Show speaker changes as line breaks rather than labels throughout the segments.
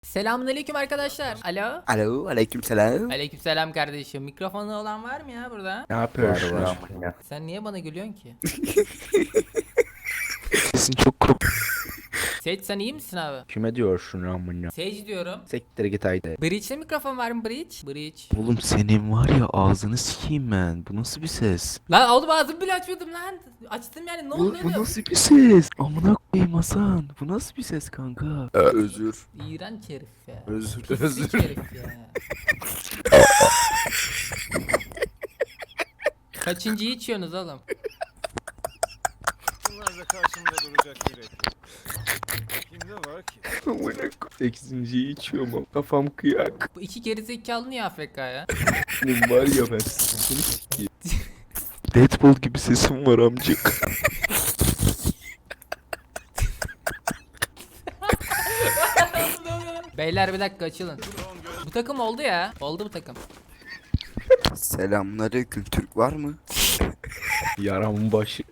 Selamünaleyküm arkadaşlar. Alo.
Alo, aleykümselam.
Aleykümselam kardeşim. Mikrofonu olan var mı ya burada?
Ne yapıyorsun
Var.
ya?
Sen niye bana gülüyorsun ki?
Sesin çok kork.
Sage sen iyi misin abi?
Kime diyorsun amına?
Sage diyorum.
Sektir git haydi.
Breach'te mikrofon var mı Breach? Breach.
Oğlum senin var ya ağzını sikeyim ben. Bu nasıl bir ses?
Lan oğlum ağzımı bile açmadım lan. Açtım yani ne oldu
Bu
oğlum?
nasıl bir ses? Amına koyayım Hasan. Bu nasıl bir ses kanka?
Özür.
İğrenç herif ya.
Özür.
Pislik herif ya. Kaçıncıyı içiyorsunuz oğlum?
Bunlar da karşımda duracak biri. Kimde var ki?
Amına koyayım. 8.yi içiyorum ama kafam kıyak.
Bu iki gerizekalı niye AFK ya?
Benim var ya ben seni sikeyim.
Deadpool gibi sesim var amcık.
Beyler bir dakika açılın. Bu takım oldu ya. Oldu bu takım.
Selamünaleyküm. Türk var mı? Yaramın başı.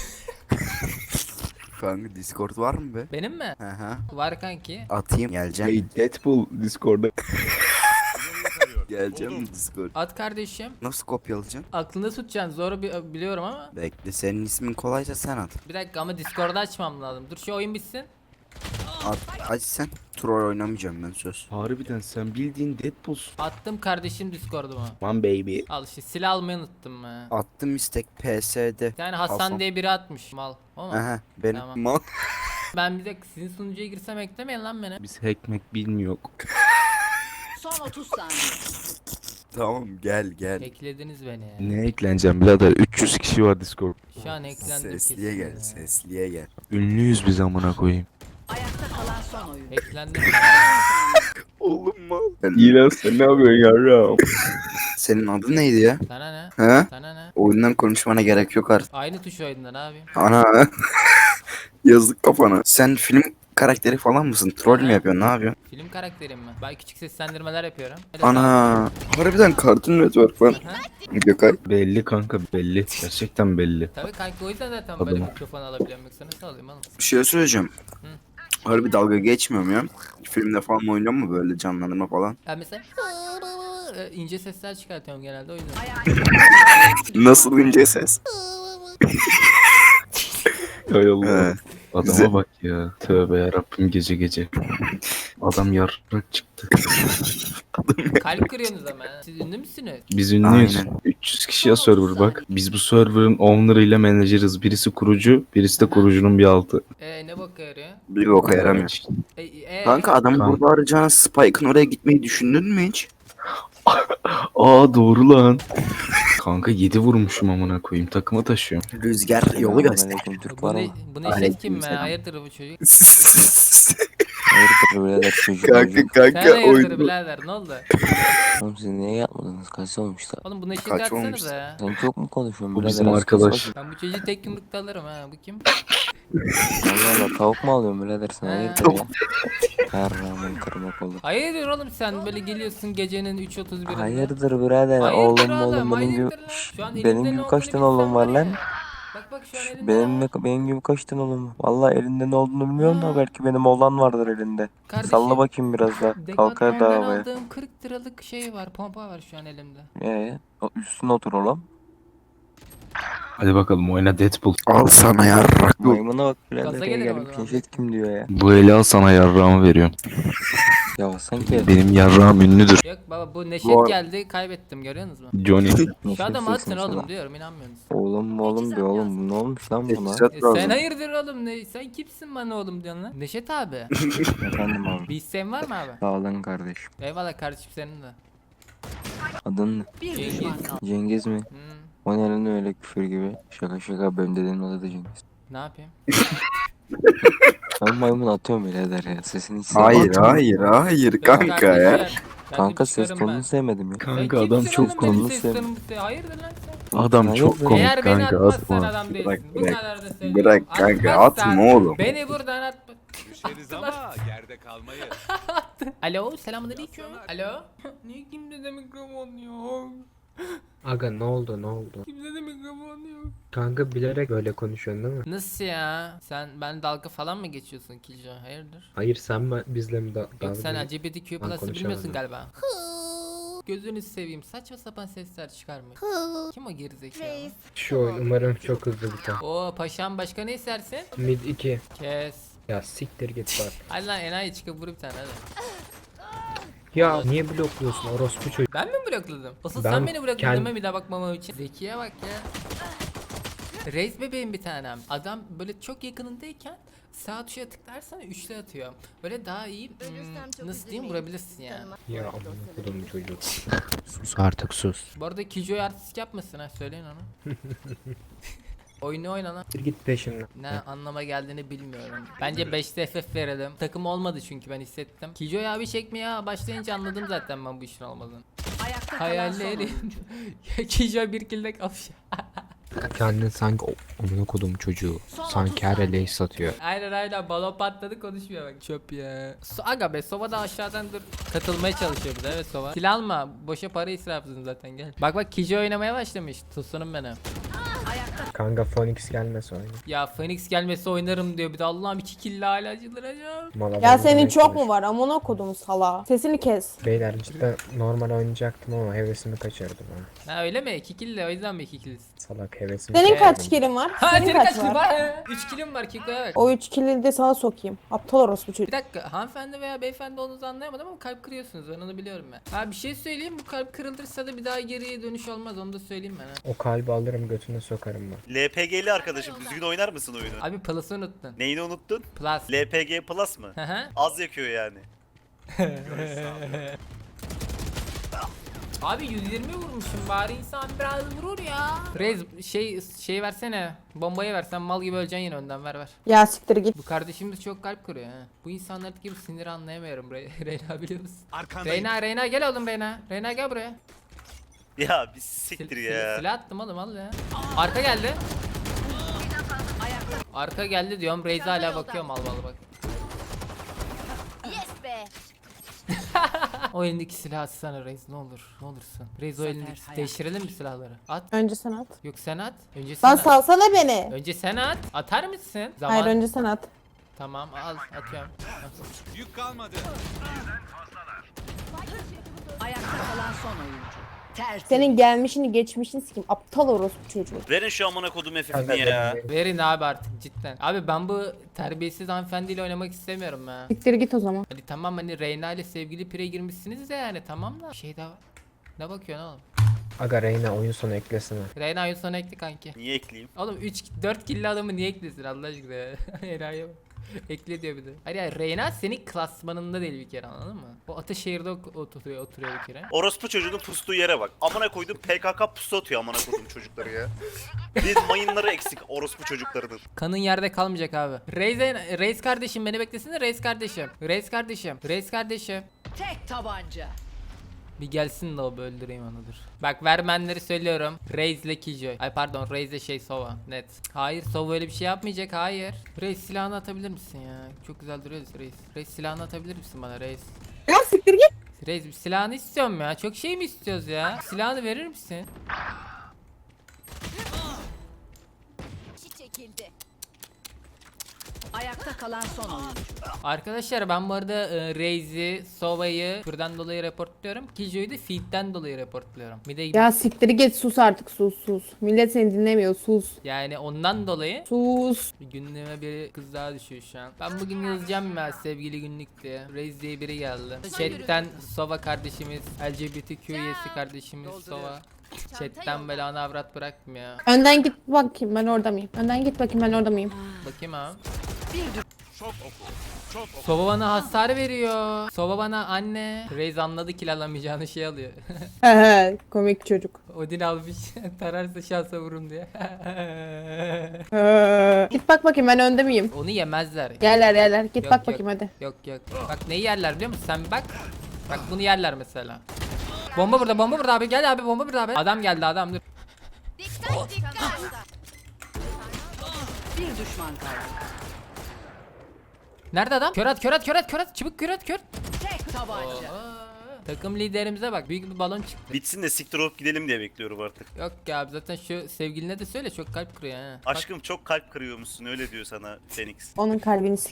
Kanka Discord var mı be?
Benim mi?
Hı hı.
Var kanki.
Atayım. Geleceğim. Hey Deadpool Discord'da. Geleceğim mi Discord?
At kardeşim.
Nasıl kopyalayacaksın?
Aklında tutacaksın. Zoru biliyorum ama.
Bekle senin ismin kolaysa sen at.
Bir dakika ama Discord'da açmam lazım. Dur şu oyun bitsin.
Aç sen. Troll oynamayacağım ben söz.
Harbiden sen bildiğin Deadpool'sun.
Attım kardeşim Discord'uma.
One baby.
Al işte silah almayı unuttum ha.
Attım istek PS'de.
Bir tane Hasan diye biri atmış mal. O mu?
Aha benim
Tamam.
mal.
Ben bir de sizin sunucuya girsem eklemeyin lan beni.
Biz hackmek bilmiyor.
Son 30 saniye.
Tamam gel.
Eklediniz beni ya.
Ne ekleneceğim birader? 300 kişi var Discord.
Şu an eklendim
Sesliye
kesin
gel,
ya.
sesliye gel.
Ünlüyüz biz amına koyayım.
Ayakta kalan son oyun.
Eklendim.
Oğlum mal. İyi sen ne yapıyorsun yavrum? Senin adın neydi ya?
Sana ne?
He?
Sana ne?
Oyundan konuşmana gerek yok artık.
Aynı tuş oyundan abi.
Ana. Yazık kafana. Sen film karakteri falan mısın? Troll mü yapıyorsun? Ne yapıyorsun?
Film karakterim mi? Ben küçük seslendirmeler yapıyorum. Hadi sağ ol.
Ana. Harbiden Cartoon Network lan.
Aha.
Gökay.
Belli kanka belli. Gerçekten belli.
Tabii kanka o yüzden zaten
Tabii.
böyle mikrofon alabiliyorum. Yoksa nasıl alayım oğlum?
Bir şey söyleyeceğim. Harbi dalga geçmiyorum ya. Filmde falan oynuyor mu böyle canlandırma falan?
Ben mesela ince sesler çıkartıyorum genelde o yüzden.
Nasıl ince ses?
Hay Allah.
He.
Adama
Güzel.
bak ya. Tövbe yarabbim gece gece. Adam yarrak çıktı.
Kalp kırıyorsunuz ama. Ha. Siz ünlü müsünüz?
Biz ünlüyüz.
Aynen.
300 kişiye server bak. Biz bu server'ın owner ile menajeriz. Birisi kurucu, birisi de kurucunun bir altı.
Ne boka yarıyor?
Bir boka yaramıyor. Kanka adamı
Kanka.
burada arayacağına Spike'ın oraya gitmeyi düşündün mü hiç?
Aa doğru lan. Kanka 7 vurmuşum amına koyayım. Takıma taşıyorum.
Rüzgar yolu göster.
Aleyküm Türk
Bu
var
ne,
mı?
bu ne şey kim be? Hayırdır bu çocuk?
Hayırdır birader çocuk
kanka
çocuk.
Sen
kanka
hayırdır
oyunu.
birader ne oldu?
Oğlum siz niye yapmadınız? Kaç olmuştu?
Oğlum bu neşet
Kaç olmuş?
atsanıza ya.
Sen çok mu konuşuyorsun
Bu
birader?
bizim
Az
arkadaş.
kız
Ben bu çocuğu tek yumrukta alırım ha. Bu kim?
Allah Allah tavuk mu alıyorsun birader sen?
Ha.
Hayırdır ya? Her ramın kırmak olur.
Hayırdır oğlum sen böyle geliyorsun gecenin 3.31'inde.
Hayırdır birader?
Hayırdır
Oğlum benim gibi...
hayırdır lan. Şu an
Benim
elinde ne
gibi
olduğunu
kaç tane
bilsen
oğlum var lan?
ya. Bak şu an elinde ne var?
Benim gibi kaç tane oğlum var? Valla elinde ne olduğunu bilmiyorum da belki benim oğlan vardır elinde.
Kardeşim,
Salla bakayım biraz daha. Kalkar da
Decathlon'dan
havaya.
aldığım 40 liralık şey var, pompa var şu an elimde.
Üstüne otur oğlum.
Hadi bakalım oyna Deadpool.
Al sana yarrak.
Maymuna bak birader
Gaza
ya
gelelim o
gelip
zaman.
keşfet kim diyor ya.
Bu eli al sana yarrağımı veriyorum.
Ya sanki
Benim yarrağım ünlüdür.
Yok baba bu Neşet
Bu ar-
geldi kaybettim görüyorsunuz mu?
Johnny.
Şu adamı
neşetlisin
atın oğlum
sana.
diyorum inanmıyorsunuz.
Oğlum bir oğlum ne olmuş lan buna?
Teçhizat
Sen
lazım.
hayırdır oğlum ne? Sen kimsin bana oğlum diyorsun lan? Neşet abi.
Efendim abi.
Bir isteğin var mı abi?
Sağ olun kardeşim.
Eyvallah kardeşim senin de.
Adın ne?
Cengiz.
Cengiz mi?
Hmm,
O ne lan öyle küfür gibi? Şaka şaka benim dedemin adı da Cengiz.
ne yapayım?
Ben maymun atıyorum birader ya sesini hiç
Hayır
sevmedim.
hayır
Yok
kanka ya.
kardeşim, ben
Kanka
de
ses
çıkarım ben.
tonunu sevmedim ya.
Kanka
Sen
adam
kimsin
çok
oğlum benim
konulu
ses
sev-
tonum bu- Hayırdır lan sen?
Adam çok
Hayır,
komik
Eğer beni
kanka
atmazsan
atma.
adam değilsin.
Bırak,
Bu
bırak.
kadar da söylüyorum.
Bırak kanka
Atmazsan
atma oğlum.
Beni buradan atma.
Düşeriz ama yerde kalmayız.
Alo selamünaleyküm. Alo. Niye kimde de mikrofon yok?
Aga ne oldu ne oldu?
Kimde de mikrofon yok.
Kanka bilerek böyle konuşuyorsun değil mi?
Nasıl ya? Ben dalga falan mı geçiyorsun Kilco? Hayırdır?
Hayır sen bizle mi
Yok sen
dalga
LGBTQ
Ben
plus'ı bilmiyorsun
konuşamadım.
galiba. Gözünü seveyim, saçma sapan sesler çıkarma. Kim o gerizekalı?
Şu oyun umarım çok hızlı biter.
Oo paşam, başka ne istersin?
Mid 2.
Kes.
Ya siktir git bak.
Hadi lan enayi, çıkıp vur bir tane hadi.
Ya niye blokluyorsun orospu çocuk?
Ben mi blokladım? Asıl
Ben
sen beni blokladın
kend-
değil mi bir daha bakmamam için? Zekiye bak ya. Reis bebeğim bir tanem. Adam böyle çok yakınındayken sağ tuşa tıklarsan üçlü atıyor. Böyle daha iyi nasıl diyeyim, vurabilirsin ya.
Ya amına kodum çocuk. Sus artık sus.
Bu arada Kijo'yu artistik yapmasın ha, söyleyin ona. Oyunu oyna lan.
Siktir git peşimden.
Ne anlama geldiğini bilmiyorum. Bence 5'te FF verelim. Takım olmadı çünkü ben hissettim. Kijo'yu abi çekmeye başlayınca anladım zaten ben bu işin olmadığını.
Ayakta kalan son
Hayallerim.
oyuncu.
Kijo bir kilde kapış.
Kendin sanki amına kodum çocuğu. Sanki her ele satıyor.
Aynen balon patladı, konuşmuyor bak, çöp ya. Aga be, Sova da aşağıdan dur katılmaya çalışıyor bir de, evet Sova. Silah alma, boşa para israfsın zaten, gel. Bak Kijo oynamaya başlamış, tosunum beni.
Kanka Phoenix gelmese oyna.
Ya Phoenix gelmesi oynarım diyor bir de, Allah'ım 2 kill hala çıldıracağım.
Mala
Ya
bana
senin
demek
çok
konuş.
mu var? Amına kodum sala. Sesini kes.
Beyler cidden normal oynayacaktım ama hevesimi kaçırdım ha.
Ha öyle mi? 2 kill de o yüzden mi 2 killiz?
Salak hevesimi
Senin
kaçırdım.
kaç kilin var?
Ha
Senin
senin kaç kill
var?
var? 3 killim var Kiko'ya bak.
O 3 kili de sana sokayım. Aptal orospu çocuk.
Bir dakika, hanımefendi veya beyefendi olduğunuzu anlayamadım ama kalp kırıyorsunuz, ben onu biliyorum ben. Ha bir şey söyleyeyim, bu kalp kırılırsa da bir daha geriye dönüş olmaz, onu da söyleyeyim ben ha.
O kalbi alırım götüne sokarım ben.
LPG'li arkadaşım düzgün oynar mısın oyunu?
Abi plus'ı unuttun.
Neyini unuttun?
Plus.
LPG Plus mı?
Hı hı.
Az yakıyor yani.
Abi 120 vurmuşum, bari insan biraz vurur ya. Reis şey versene. Bombayı versen mal gibi öleceksin yine, önden ver.
Ya siktir git.
Bu kardeşimiz çok kalp kırıyor ha. Bu insanlardaki bu siniri anlayamıyorum Reyna, biliyor musun? Reyna gel oğlum Reyna. Reyna gel buraya.
Ya bir siktir ya.
Silah attım oğlum, al ya. Arka geldi. Arka geldi diyorum, Reis hala bakıyor mal bak.
Yes be.
O elindeki silahı atsana Reis, ne olur. Ne olursun. Reis o elindeki, değiştirelim mi silahları? At.
Önce sen at.
Yok sen at. Önce sen
Lan
at.
salsana beni.
Önce sen at. Atar mısın? Zaman.
Hayır önce sen at.
Tamam al, atıyorum.
Yük kalmadı.
Ayakta kalan son oyuncu. Tertemiz.
Senin gelmişini geçmişini sikeyim. Aptal orospu çocuğu.
Verin şu amına kodum
Kanka
FF'ini ya.
benim-
Verin abi artık cidden. Abi ben bu terbiyesiz hanımefendiyle oynamak istemiyorum ya.
Siktir git o zaman.
Hadi tamam, hani Reyna ile sevgili pire girmişsiniz de yani, tamam da. Bir şey daha var. Ne bakıyorsun oğlum?
Aga Reyna oyun sonu eklesene.
Reyna oyun sonu ekli kanki.
Niye ekleyeyim?
Oğlum 4 killi adamı niye eklesin Allah aşkına ya? Enayi bak. Ekle diyor bir de. Hayır ya, Reyna senin klasmanında değil bir kere, anladın mı? O Ataşehir'de oturuyor bir kere.
Orospu çocuğunun pustuğu yere bak. Amına koydum PKK pusu atıyor amına koydum çocukları ya. Bir mayınları eksik orospu çocuklarının.
Kanın yerde kalmayacak abi. Reis kardeşim beni beklesene, Reis kardeşim. Reis kardeşim.
Tek tabanca.
Bir gelsin de o, öldüreyim onudur. Bak vermenleri söylüyorum. Reis ile Killjoy. Ay pardon, Reis ile Sova. Net. Hayır, Sova öyle bir şey yapmayacak, hayır. Reis silahını atabilir misin ya? Çok güzel duruyoruz Reis. Reis silahını atabilir misin bana Reis?
Ya siktir git.
Reis bir silahını istiyorum ya. Çok şey mi istiyoruz ya? Silahını verir misin?
Çekildi. Ayakta kalan son oyuncu.
Arkadaşlar ben bu arada Reis'i, Sova'yı şuradan dolayı reportluyorum. Killjoy'u da feed'den dolayı reportluyorum. Bir de
Ya siktir git, sus artık, sus. Millet seni dinlemiyor, sus.
yani ondan dolayı
Sus.
bir gündeme bir kız daha düşüyor şu an. Ben bugün yazacağım ya sevgili günlük diye. Reis diye biri geldi. Chat'ten Sova kardeşimiz, LGBTQ üyesi kardeşimiz Sova. Chat'ten böyle ana avrat bırakmıyor.
Önden git bakayım ben orada mıyım? Önden git bakayım ben orada mıyım?
Bakayım abi.
Çok oku. Çok oku.
Sova bana hasar veriyor. Sova bana anne. Reis anladı ki alamayacağını şey alıyor.
Hehe, komik çocuk.
Odin almış. Tararsa şansa vururum diye.
Git bak bakayım ben önde miyim?
Onu yemezler.
Yerler. Git
Yok,
bak
yok.
bakayım hadi.
Yok. Bak neyi yerler biliyor musun? Sen bak. Bak bunu yerler mesela. Bomba burada abi. Gel abi, bomba burada abi. Adam geldi, adam dur.
Bir düşman kaldı.
Nerede adam? Kör at. Çabuk kör at.
Tek tabanca.
Takım liderimize bak, büyük bir balon çıktı.
Bitsin de siktir olup gidelim diye bekliyorum artık.
Yok ya abi, zaten şu sevgiline de söyle, çok kalp kırıyor ha. Bak,
Aşkım çok kalp kırıyormuşsun öyle diyor sana Phoenix.
Onun kalbini